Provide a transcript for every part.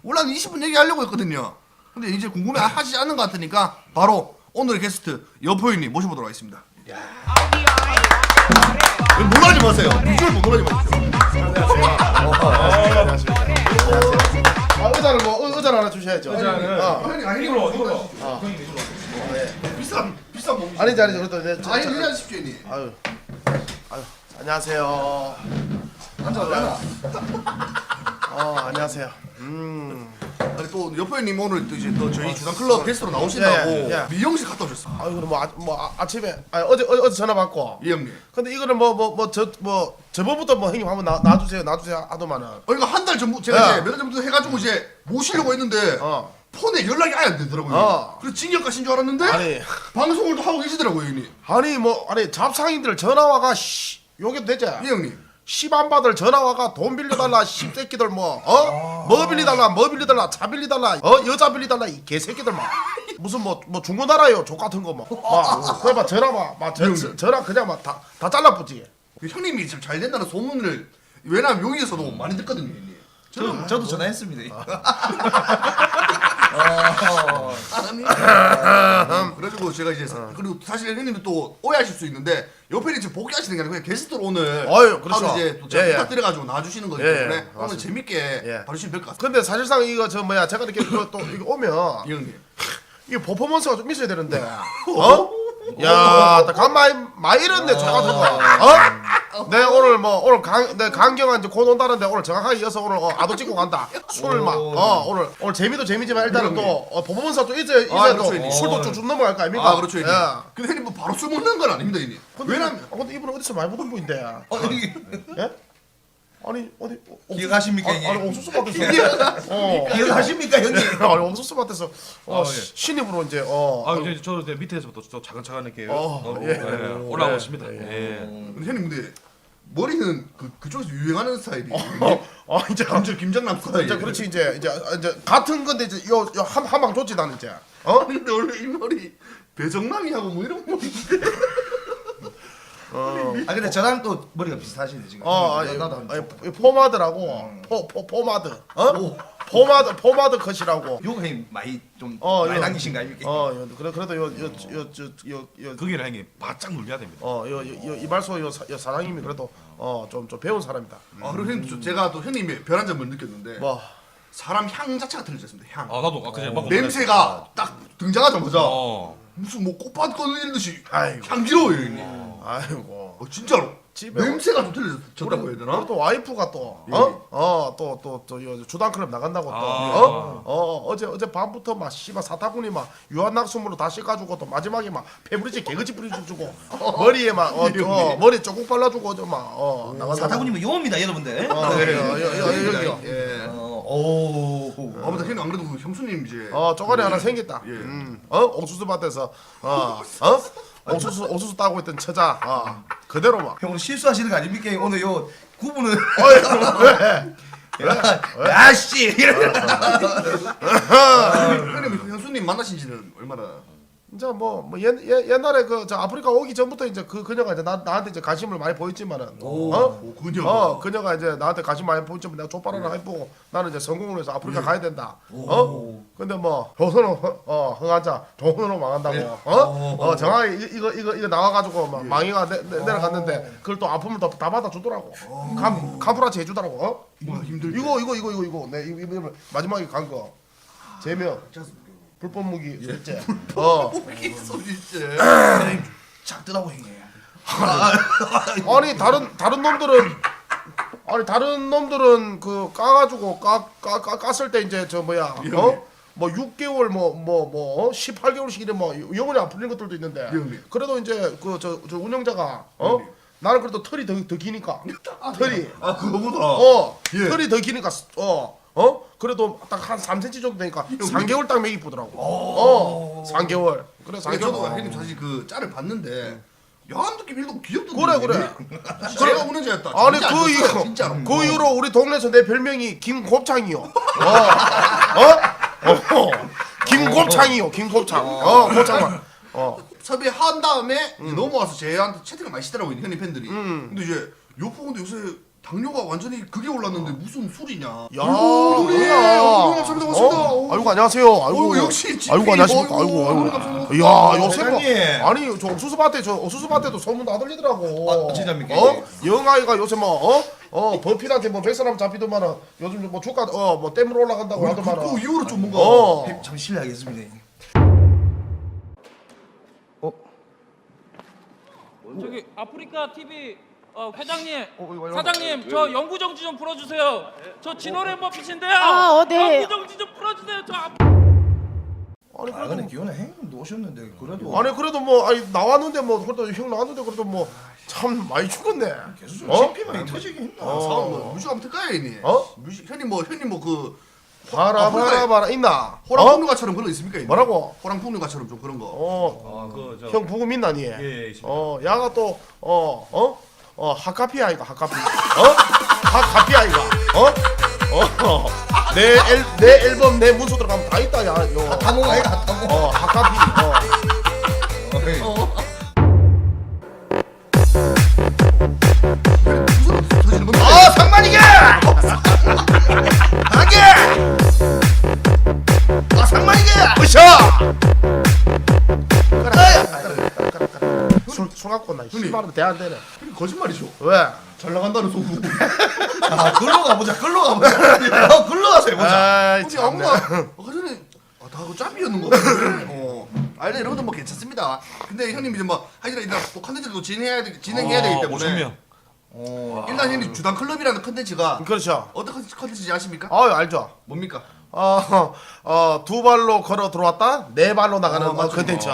원래 한 20분 얘기하려고 했거든요. 근데 이제 궁금해 하시지 않는 것 같으니까 바로 오늘의 게스트 여포인님 모셔보도록 하겠습니다. 놀라지 마세요. 비주얼 못 놀라지 마십시오. 의자를 의자를 하나 주셔야죠. 아니 이걸로 비싼 뭐 아니지 그래도 아니 일하십시오 니. 아유 안녕하세요. 앉아. 안녕하세요. 아니 또 여포인님 오늘 또 이제 또 저희 주당 클럽 게스트로 나오신다고 예. 미용실 갔다 오셨어. 아유 아침에 어제 전화 받고. 이 형님. 근데 이거는 저번부터 형님 한번 놔주세요 하더만은. 그러니까 한 달 전부 제가 예. 이제 몇 달 전부터 해가지고 이제 모시려고 했는데 폰에 연락이 아예 안 되더라고요. 그래서 징역 가신 줄 알았는데 아니 방송을 또 하고 계시더라고요 형님. 아니 잡상인들 전화 와가 요게 되지. 이 형님. 시반 받을 전화 와가 돈 빌려달라 씹새끼들 뭐 빌리달라 차 빌리달라 여자 빌리달라 이 개새끼들 막 무슨 뭐 중고나라요 족 같은 거막 그래 전화 그냥 막 다 잘라붙지. 그 형님이 참 잘 된다는 소문을 왜냐면 여기에서도 많이 듣거든요 형님. 저도 전화했습니다. 그래가지고 제가 이제 그리고 사실 형님도 또 오해하실 수 있는데 옆에 지금 복귀하시는 게 아니고 그냥 게스트로 오늘 그렇죠. 하루 이제 또 제가 예. 부탁드려가지고 나와주시는 거기 예, 때문에 예, 오늘 맞습니다. 재밌게 봐주시면 될 것 같습니다. 근데 사실상 이거 제가 이렇게 이거 오면 이 형님. 이게 퍼포먼스가 좀 있어야 되는데 야, 간 많이 잃었네 저 같은 거. 내 오늘 내 강경한 이제 곧 온다는데 오늘 정확하게 이어서 오늘 아도 찍고 간다. 술을 오늘 재미도 재미지만 일단은 또 퍼포먼스가 또 있어야 또 그렇죠, 술도 쭉 넘어갈 거 아닙니까? 그렇죠 형님. 근데 형님 뭐 바로 술 먹는 건 아닙니다 형님. 왜냐면 근데 이분 어디서 많이 보던 분인데. 예? 아니 어디 기억하십니까, 아니 형님? 옥수수 밭에서 기억하십니까 형님? 아니 옥수수 밭에서 예. 신입으로 이제 이제 저도 이제 밑에서부터 좀 차근차근 이렇게 예. 올라오고 있습니다. 예. 근데 형님 근데 머리는 그쪽에서 유행하는 스타일이 이제 김정남 스타일. 이제 그렇지 이제 같은 건데 이제 요 한방 줬지 나는 이제 근데 원래 이 머리 배정남이하고 뭐 이런 머리인데. 근데 저랑 또 머리가 비슷하시네 지금. 나도 포마드라고 포마드 포마드 컷이라고 요거 형님 많이 좀 어, 많이 이거. 당기신 거 아닙니까? 그래도 요 거기는 형님 바짝 눌려야 됩니다. 이발소 요 사장님이 그래도 좀 배운 사람이다. 그리고 형님 제가 또 형님의 변한 점을 느꼈는데 뭐 사람 향 자체가 틀려졌습니다. 향. 나도 그제 막 냄새가 딱 등장하자마자 어. 무슨 뭐 꽃밭 꺼내듯이 아이고. 향기로워요 형님. 아이고 진짜로. 집에 냄새가 좀 틀려졌다고 해야 되나? 또 와이프가 또 주당클럽 나간다고 어제 밤부터 막 씨발 사타구니 막 유한낙수물로 다 씻어가지고 또 마지막에 막 페브리즈 개그지 뿌려주고 머리에 막 머리 조금 발라주고 어제 막 나간다. 사타구님은 용어입니다 여러분들. 여기요. 예. 아무튼 형님 안 그래도 그 형수님 이제 쪼가리 하나 생겼다. 예. 옥수수 밭에서 옥수수 따고 있던 처자 그대로 막. 형 오늘 실수하시는 거 아닙니까? 오늘 요 구분은 왜? 야씨 형님 형수님 만나신 지는 얼마나? 이제 옛날에 저 아프리카 오기 전부터 이제 그녀가 이제 나한테 이제 관심을 많이 보였지만은 그녀. 그녀가 이제 나한테 관심 많이 보였지만 내가 족발 하나 해보고 나는 이제 성공을 해서 아프리카 가야 된다. 근데 조선은 흥한자 조선으로 망한다고. 정확히 이거 나와가지고 막 망이가 내려갔는데 그걸 또 아픔을 다 받아주더라고. 카프라치 해주더라고. 힘들지. 이거 내 이거 마지막에 간 거 제명 불법 무기 술제. 소리째. 작더라고 형님. 아니 다른 놈들은 그 까가지고 깠을 때 이제 뭐 6개월 18개월씩 이래 영원히 안 풀린 것들도 있는데 그래도 이제 저 운영자가 나는 그래도 털이 더 기니까 털이 그거보다. 털이 더 기니까 그래도 딱 한 3cm 정도 되니까 3개월 딱 맥이 뿌더라고. 3개월. 그래 저도 형님 사실 그 짤을 봤는데 야한 느낌 일도 귀엽던데. 그래. 제가 운영자였다. 아니 진짜 진짜로. 그 이후로 우리 동네에서 내 별명이 김곱창이요. 김곱창이요. 김곱창. 곱창만. 섭외한 다음에 이제 넘어와서 제한테 채팅을 많이 시더라고요 형님 팬들이. 근데 이제 요포 근데 요새 당뇨가 완전히 극에 올랐는데 무슨 술이냐? 야, 형님, 감사합니다, 고맙습니다. 아이고 안녕하세요. 아이고 역시 GP. 아이고 안녕하십니까. 어이구, 아이고 감사합니다. 아이고. 이야 요새 뭐 회장님. 아니 저 옥수수밭에도 소문 다 들리더라고. 아, 진짜입니까? 영아이가 요새 버핏한테 뭐 100사람 잡히더만은 요즘 뭐 주가 뭐 댐으로 올라간다고 하더만은. 그 이후로 좀 뭔가 참 실례하겠습니다. 저기 아프리카 TV 회장님, 사장님, 저 영구 정지 좀 풀어주세요. 저 진호래 머핏인데요. 네. 영구 정지 좀 풀어주세요. 저 아니 아 근데 기원에 형님 오셨는데 그래도 아니 그래도 뭐 아니 나왔는데 뭐 그래도 형 나왔는데 그래도 뭐 참 많이 죽었네. 계속 좀 CP만이 터지긴 했나? 상황 뭐 뮤직 한번 틀까요, 형님? 뮤직 형님 뭐 그 바라 있나? 호랑풍류가처럼 그런 거 있습니까? 형님? 뭐라고? 호랑풍류가처럼 좀 그런 거. 아그저 형 부금 있나 니? 예, 있습니다. 야가 또 하카피 아이가 하카피. 하카피 아이가. 내 앨범 내 문서 들어가면 다 있다 야. 요. 당공 아이가 당공. 하카피. 무슨 터지는 건데? 상만이게! 하게! 상만이게! 으쌰! 술 갖고 나 10만 원 대안 되네. 형님 거짓말이죠. 왜? 잘 나간다는 소문. 아, 글로 가보자. 글로 가보자. 글로 가서 해보자. 아이 형님 참. 아무나 아까 전에 다 그 짬이었는 거 같은데. 아니 여러분들 뭐 괜찮습니다. 근데 형님 이제 뭐 하시라 일단 또 컨텐츠를 또 진행해야 되기 때문에 5,000명. 일단 형님 주당 클럽이라는 컨텐츠가 그렇죠. 어떤 컨텐츠인지 아십니까? 알죠. 뭡니까? 두 발로 걸어 들어왔다, 네 발로 나가는 맞죠. 컨텐츠.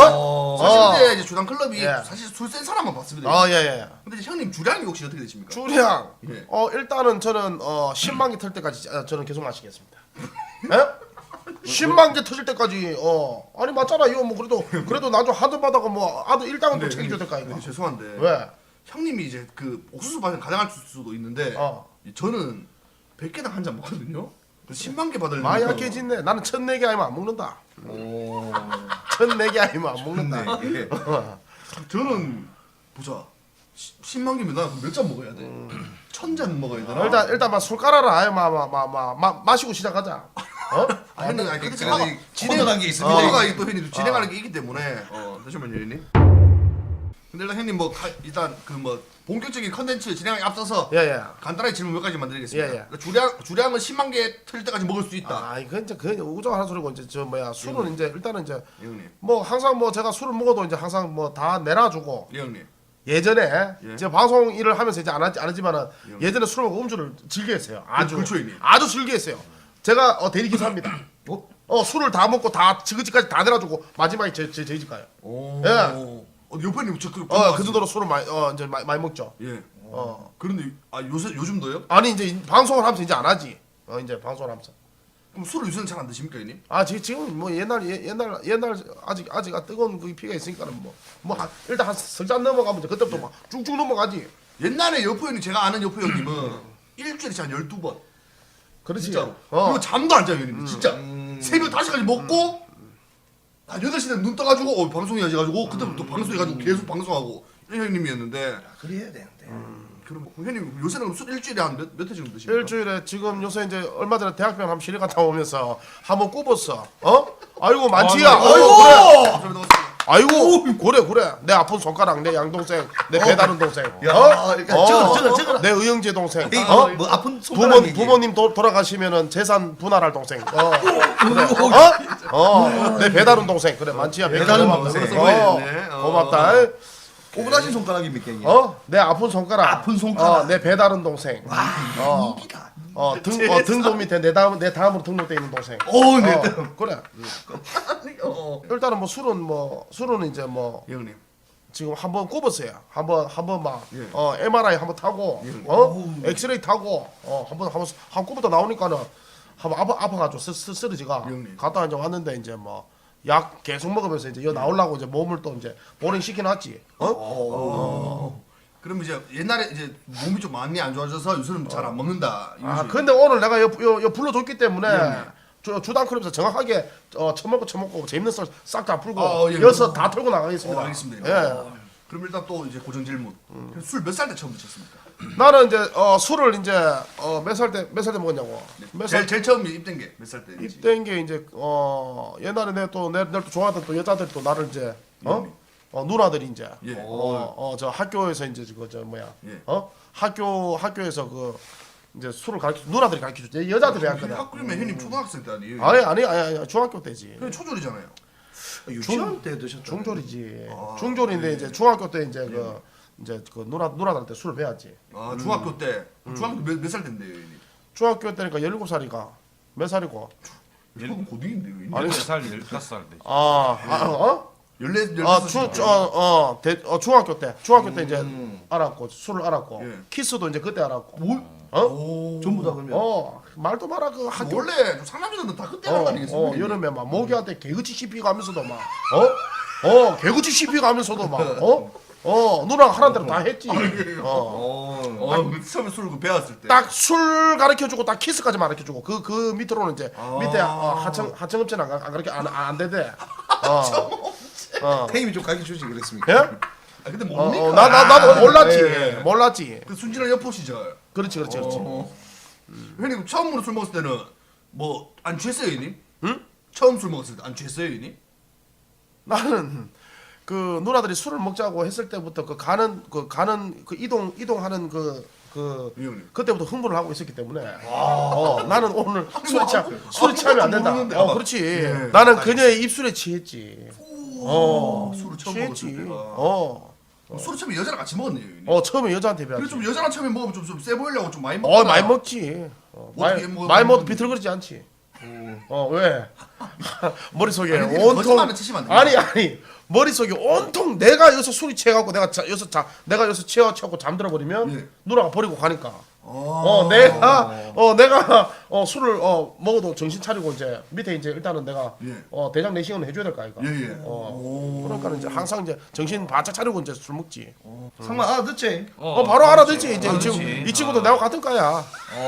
사실 이제 주당 클럽이 예. 사실 술 센 사람만 봤습니다. 예. 근데 이제 형님 주량이 혹시 어떻게 되십니까? 주량. 예. 일단은 저는 10만 개 털 때까지 저는 계속 마시겠습니다. 예? 10만 개 터질 때까지 아니 맞잖아 이거 뭐 그래도 나중 하드 받아가 뭐 아들 일당은 또 책임져야 될거 아닌가. 근데 죄송한데 왜? 형님이 이제 그 옥수수 맛을 가져갈 수도 있는데 저는 100개당 한 잔 먹거든요. 10만 개 받으려면 많이 약해진네. 나는 1004개 아니면 안 먹는다. 1004개 아니면 안 먹는다. 저는 보자 10만 개면 나 몇 잔 먹어야 돼? 1000잔 먹어야 되나? 일단 술 깔아라. 아예 마시고 시작하자. 형님 아니 근데 그래도 제가 진행 단계 있습니다. 진행가 또 형님 진행하는 게 있기 때문에 잠시만요 형님. 근데 일단 형님 뭐 일단 그 뭐 본격적인 컨텐츠 진행에 앞서서 예. 간단하게 질문 몇 가지만 드리겠습니다. 예. 그러니까 주량은 10만 개 틀 때까지 먹을 수 있다. 이건 이제 그 우정하는 소리고 이제 술은 이제 일단은 이제 예, 형님. 뭐 항상 뭐 제가 술을 먹어도 이제 항상 뭐 다 내놔주고 예 형님. 예전에 예. 제가 방송 일을 하면서 이제 안 하지만은 예전에 술을 먹고 음주를 즐겨했어요. 아주 그렇죠, 형님. 아주 즐겨했어요. 제가 대리기사입니다. 술을 다 먹고 다 지그지까지 다 내놔주고 마지막에 저희 집 가요. 예. 옆에 님 저그 그 정도로 술을 이제 많이 먹죠. 예. 그런데 요즘도요? 아니 이제 방송을 하면서 이제 안 하지. 이제 방송을 하면서. 그럼 술을 요새는 잘 안 드십니까 형님? 지금 뭐 옛날 아직 뜨거운 그 피가 있으니까는 일단 한 석 잔 넘어가면 이제 그때부터 막 쭉쭉 넘어가지. 옛날에 여포 형님 제가 아는 여포 형님은 일주일에 한 12번 그렇지. 진짜로. 그리고 잠도 안 자요 형님. 진짜 새벽 5시까지 먹고 한 8시 되면 눈 떠가지고 방송해야지 가지고 그때부터 방송해가지고 계속 방송하고 이런 형님이었는데 그래야 되는데. 그럼 형님 요새는 술 일주일에 한 몇 회 정도 드십니까? 일주일에 지금 요새 이제 얼마 전에 대학병 한번 시리 갔다 오면서 한번 꼽았어. 아이고 많지야. 아이고 그래. 아이고 그래. 내 아픈 손가락, 내 양동생, 내 배다른 동생. 저거. 내 의형제 동생. 뭐 아픈 손가락 얘기. 부모님 돌아가시면은 재산 분할할 동생. 내 배다른 동생. 그래 많지야. 배다른 고맙다. 동생. 고맙다. 꼬부라진 손가락입니까 이게? 내 아픈 손가락. 아픈 손가락. 내 배다른 동생. 등도 밑에 내 다음으로 등록돼 있는 동생. 그래. 일단은 술은 이제 예 형님. 지금 한번 꼽았어요. 한번 막 MRI 한번 타고 엑스레이 타고 한번 꼽았다 나오니까는 한번 아파가지고 쓰러지가 형님. 갔다 이제 왔는데 이제 약 계속 먹으면서 이제 나오려고 이제 몸을 또 이제 보링 시켜놨지. 그럼 이제 옛날에 이제 몸이 좀 많이 안 좋아져서 요새는 잘 안 먹는다. 근데 오늘 내가 요 불러줬기 때문에 주당 클럽에서 정확하게 처먹고 재밌는 썰 싹 다 풀고 예. 여기서 다 털고 나가겠습니다. 알겠습니다. 예. 그럼 일단 또 이제 고정 질문. 술 몇 살 때 처음 드셨습니까? 나는 이제 술을 이제 몇 살 때 먹었냐고. 몇 살 제일 처음 입된 게 몇 살 때인지. 입된 게 이제 옛날에 내가 또 좋아하던 또 여자들 또 나를 이제 누나들이 이제 예. 저 학교에서 이제 저 뭐야 예. 학교에서 그 이제 술을 누나들이 가르쳐 줬지. 여자들이 했거든. 학교면 형님 초등학생 때 아니에요? 아니 중학교 때지. 그냥 초졸이잖아요. 유치원 때 드셨죠? 중졸이지. 중졸인데 이제 중학교 때 이제 그 누나들한테 술을 배웠지. 아 중학교 때. 중학교 몇 살 때인데요, 형님? 중학교 때니까 17살이가 몇 살이고? 조금 고딩인데요, 형님. 아니 4살 15살 때. 중학교 때 이제 알았고 술을 알았고 예. 키스도 이제 그때 알았고. 전부 다 그러면. 말도 마라 그 학교 원래 좀 상남자들은 다 그때 하는 거 아니겠습니까? 형님? 여름에 막 모기한테 개그치 씹히가면서도 막 개그치 씹히가면서도 막 누나가 하라는 대로 다 했지. 처음에 술 배웠을 때. 딱 술 가르쳐주고 딱 키스까지 가르쳐주고 그 밑으로는 이제 밑에 하청업체는 안 가르쳐 안 되대. 태임이 좀 가르쳐 주지 그랬습니까? 예? 아 근데 뭡니까? 나도 몰랐지. 예. 몰랐지. 그 순진한 여포 시절. 그렇지. 형님 처음으로 술 먹었을 때는 뭐 안 취했어요, 형님? 응? 처음 술 먹었을 때 안 취했어요, 형님? 나는 그 누나들이 술을 먹자고 했을 때부터 그 가는 이동하는 형님. 그때부터 흥분을 하고 있었기 때문에 나는 오늘 술이 취하면 안 된다. 모르는데. 그렇지. 예. 나는 그녀의 입술에 취했지. 술을 처음 취했지. 먹었을 때가. 술을 처음에 여자랑 같이 먹었네요, 형님. 처음에 여자한테 그래서 배웠지. 좀 여자랑 처음에 먹으면 좀 세 보이려고 좀 많이 먹었나? 많이 먹지. 어떻게 먹어요? 많이 먹어도 비틀거리지 않지. 왜? 머릿속에 아니, 온통 거짓말은 치시면 안 돼요. 아니 머릿속에 온통 내가 여기서 술이 취해갖고 내가 여기서 취해갖고 잠들어 버리면 예. 누나가 버리고 가니까 내가 술을 먹어도 정신 차리고 이제 밑에 이제 일단은 내가 예. 대장 내시경을 해줘야 될 거 아이가. 예. 그러니까 이제 항상 이제 정신 바짝 차리고 이제 술 먹지. 상만 알아듣지? 바로 알아듣지 이제 알아듣지. 이 친구도 내가 같은 과야.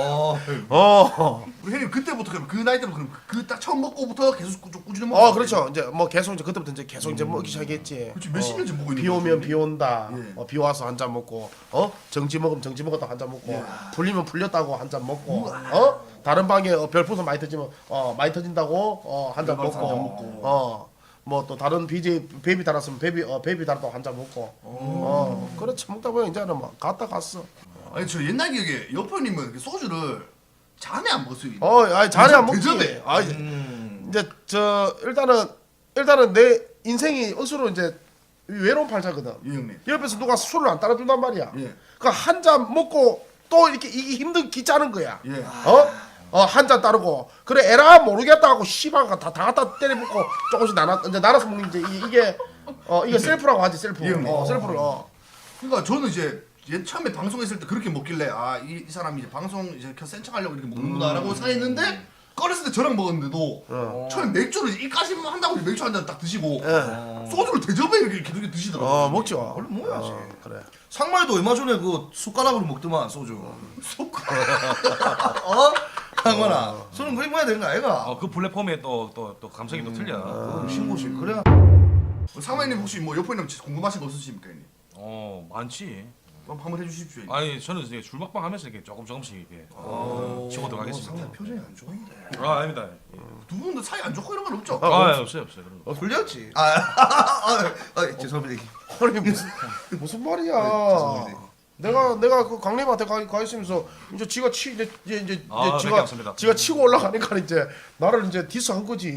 우리 형님 그때부터 그럼 그 나이 때부터 그럼 그 딱 처음 먹고부터 계속 좀 꾸준히 먹었어요. 그렇죠. 이제 뭐 계속 이제 그때부터 이제 계속 이제 먹기 시작했지. 그렇지 몇십 년째 먹고 있는 비 오면 비 온다. 예. 비 와서 한 잔 먹고, 정지 먹으면 정지 먹었다 한 잔 먹고, 풀리면 풀렸다고 한 잔 먹고, 다른 방에 별풍선 많이 터지면 많이 터진다고 한 잔 별풍선 한잔 먹고, 뭐 또 다른 BJ 베이비 달았으면 베이비 달았다고 한 잔 먹고, 그렇지 먹다 보면 이제는 막 갔어. 아니 저 옛날 기억에 여포님은 그 소주를 잔에 안 먹었어요. 아니 자네 안 먹지. 대접해. 이제 일단은 내 인생이 억수로 이제 외로운 팔자거든. 예 형님. 옆에서 누가 술을 안 따라준단 말이야. 예. 그 한 잔 먹고 또 이렇게 이게 힘든 기짜는 거야. 예. 한 잔 따르고 그래 에라 모르겠다 하고 씨발가 다 갖다 때려붓고 조금씩 나눠서 먹는 이게 셀프라고 하지 셀프. 예, 형님. 셀프를. 그러니까 저는 이제 처음에 방송했을 때 그렇게 먹길래 이 사람이 이제 방송 이제 센 척하려고 이렇게 먹는구나라고 생각했는데 꺼냈을 때 저랑 먹었는데도 처음에 맥주를 이까지만 한다고 맥주 한 잔 딱 드시고 소주를 대접해 이렇게 계속 드시더라고요. 먹죠. 원래 먹어야지. 그래. 상말도 얼마 전에 그 숟가락으로 먹더만 소주. 숟가락. 상만아. 술은 그렇게 먹어야 되는 거 아이가? 그 플랫폼에 또 감성이 또 틀려. 신고식 그래. 상마님 혹시 뭐 여포님 궁금하신 거 없으십니까 형님? 많지. 한번 해주십시오. 형님. 아니 저는 이제 줄박방 하면서 이렇게 조금씩 이렇게 치고 들어가겠습니다. 상만 표정이 안 좋은데. 아닙니다. 두 분도 사이 안 좋고 이런 건 없죠? 없어요 그런 거. 불렸지. 죄송합니다. 아니 무슨 말이야? 죄송합니다. 내가 그 강림한테 가 있으면서 이제 지가 이제 몇 개 없습니다. 지가 치고 올라가니까 이제 나를 이제 디스한 거지.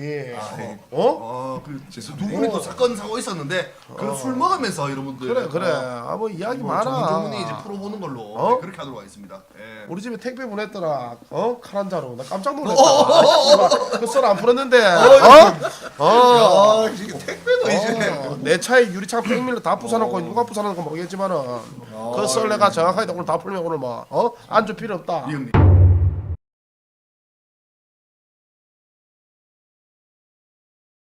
두 분이 또 사건 사고 있었는데 그 술 먹으면서 여러분들 그래. 뭐 이야기 많아. 전문이 이제 풀어보는 걸로 네, 그렇게 하도록 하겠습니다. 예. 우리 집에 택배 보냈더라. 칼 한 자로. 나 깜짝 놀랐다. 그 썰 안 풀었는데. 이게 택배도 이제. 내 차에 유리창 팽밀로 다 부숴놓고 누가 부숴놓은 거 모르겠지만은 그 썰 내가 정확하게 오늘 다 풀면 오늘 뭐 안줄 필요 없다. 이 형님.